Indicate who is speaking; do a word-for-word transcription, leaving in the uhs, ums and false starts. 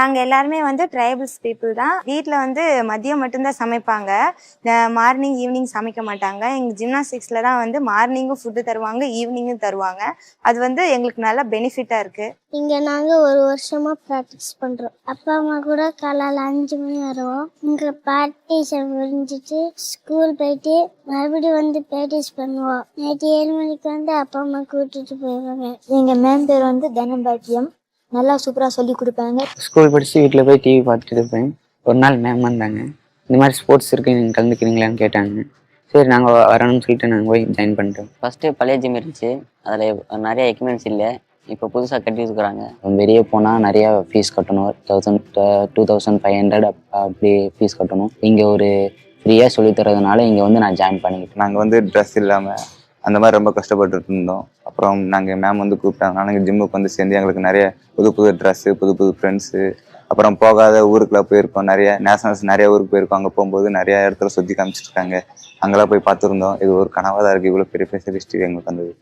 Speaker 1: நாங்க எல்லாருமே வந்து ட்ரைபல்ஸ் பீப்புள் தான். வீட்ல வந்து மதியம் மட்டும்தான் சமைப்பாங்க. மார்னிங் ஈவினிங் சமைக்க மாட்டாங்க. எங்க ஜிம்னாஸ்டிக்ஸ்ல தான் வந்து மார்னிங்கும் ஃபுட்டு தருவாங்க, ஈவினிங்கும் தருவாங்க. அது வந்து எங்களுக்கு நல்ல பெனிஃபிட்டா இருக்கு.
Speaker 2: இங்க நாங்க ஒரு வருஷமா ப்ராக்டிஸ் பண்றோம். அப்பா அம்மா கூட காலையில அஞ்சு மணி வருவோம். இங்க ப்ராக்டிஸ் முடிஞ்சிட்டு ஸ்கூல் போயிட்டு மறுபடியும் வந்து ப்ராக்டிஸ் பண்ணுவோம். நைட்டு ஏழு மணிக்கு வந்து அப்பா அம்மா கூட்டிட்டு போயிடுவாங்க.
Speaker 3: எங்க மேம் பேர் வந்து தனபாக்கியம். நல்லா சூப்பரா சொல்லி கொடுப்பாங்க.
Speaker 4: ஸ்கூல் படிச்சு வீட்டில் போய் டிவி பார்த்துட்டு இருப்பேன். ஒரு நாள் மேம் வந்தாங்க. இந்த மாதிரி ஸ்போர்ட்ஸ் இருக்குது, நீங்கள் கலந்துக்கிறீங்களான்னு கேட்டாங்க. சரி நாங்கள் வரணும்னு சொல்லிட்டு நாங்கள் போய் ஜாயின் பண்ணிட்டோம். ஃபஸ்ட்டு பழைய ஜிம் இருந்துச்சு, அதில் நிறைய எக்யூப்மெண்ட்ஸ் இல்லை. இப்போ புதுசாக கட்டி இருக்கிறாங்க. வெளியே போனால் நிறையா ஃபீஸ் கட்டணும். Thousand two thousand five hundred அப்படி ஃபீஸ் கட்டணும். இங்கே ஒரு ஃப்ரீயாக சொல்லித்தரதுனால இங்கே வந்து நான் ஜாயின் பண்ணிக்கிட்டேன்.
Speaker 5: நாங்கள் வந்து ட்ரெஸ் இல்லாமல் அந்த மாதிரி ரொம்ப கஷ்டப்பட்டு இருந்தோம். அப்புறம் நாங்கள் மேம் வந்து கூப்பிட்டாங்க. நாங்கள் ஜிம்முக்கு வந்து சேர்ந்து எங்களுக்கு நிறைய புது புது ட்ரெஸ்ஸு, புது புது ஃப்ரெண்ட்ஸு, அப்புறம் போகாத ஊருக்குலாம் போயிருக்கோம். நிறைய நேஷனல்ஸ் நிறைய ஊருக்கு போயிருக்கோம். அங்கே போகும்போது நிறைய இடத்துல சுற்றி காமிச்சிருக்காங்க. அங்கெல்லாம் போய் பார்த்துருந்தோம். இது ஒரு கனவாக தான் இருக்குது. இவ்வளோ பெரிய ஸ்பெஷலிஸ்ட் எங்களுக்கு வந்தது.